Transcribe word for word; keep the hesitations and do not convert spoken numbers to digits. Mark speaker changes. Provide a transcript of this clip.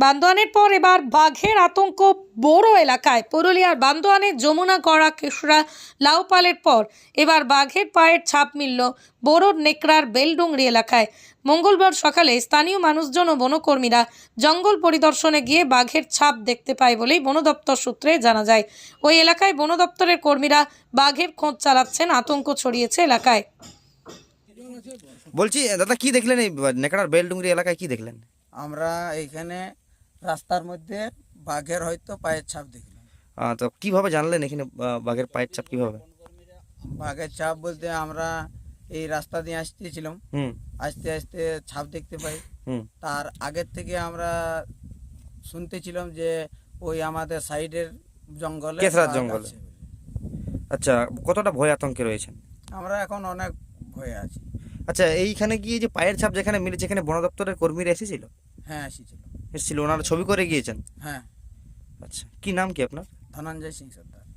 Speaker 1: বান্দোয়ানের পর এবার বাঘের আতঙ্ক বড়ো এলাকায়। পুরুলিয়ার বান্দোয়ানের যমুনা গড়া কেশরা লাউপালের পর এবার বাঘের পায়ের ছাপ মিলল বড়োর নেকড়ার বেলডুংরি এলাকায়। মঙ্গলবার সকালে স্থানীয় মানুষজন ও বনকর্মীরা জঙ্গল পরিদর্শনে গিয়ে বাঘের ছাপ দেখতে পায় বলেই বন দপ্তর সূত্রে জানা যায়। ওই এলাকায় বন দপ্তরের কর্মীরা বাঘের খোঁজ চালাচ্ছেন। আতঙ্ক ছড়িয়েছে এলাকায়।
Speaker 2: বলছি দাদা, কি দেখলেন এই নেকড়ার বেলডুংরি এলাকায়? কি দেখলেন?
Speaker 3: আমরা এইখানে রাস্তার মধ্যে বাঘের হয়তো পায়ের ছাপ দেখলাম।
Speaker 2: আহ, তো কিভাবে জানলেন এখানে আহ, বাঘের পায়ের ছাপ কিভাবে?
Speaker 3: বাঘের ছাপ বলতে আমরা এই রাস্তা দিয়ে আসতেছিলাম,
Speaker 2: হুম
Speaker 3: আস্তে আস্তে ছাপ দেখতে পাই।
Speaker 2: হুম
Speaker 3: তার আগের থেকে আমরা শুনতেছিলাম যে ওই আমাদের সাইডের জঙ্গলে
Speaker 2: কেশরার
Speaker 3: বাঘ
Speaker 2: জঙ্গলে।
Speaker 3: আছে।
Speaker 2: আচ্ছা, কতটা ভয় আতঙ্কে রয়েছেন?
Speaker 3: আমরা এখন অনেক ভয়ে আছি।
Speaker 2: আচ্ছা, এইখানে গিয়ে যে পায়ের ছাপ যেখানে মিলেছে, এখানে বন দপ্তরের কর্মীরা এসেছিল?
Speaker 3: হ্যাঁ এসেছিল।
Speaker 2: এসেছিল, ওনারা ছবি করে গিয়েছেন?
Speaker 3: হ্যাঁ,
Speaker 2: আচ্ছা, কি নাম কি আপনার?
Speaker 3: ধনঞ্জয় সিং সর্দার।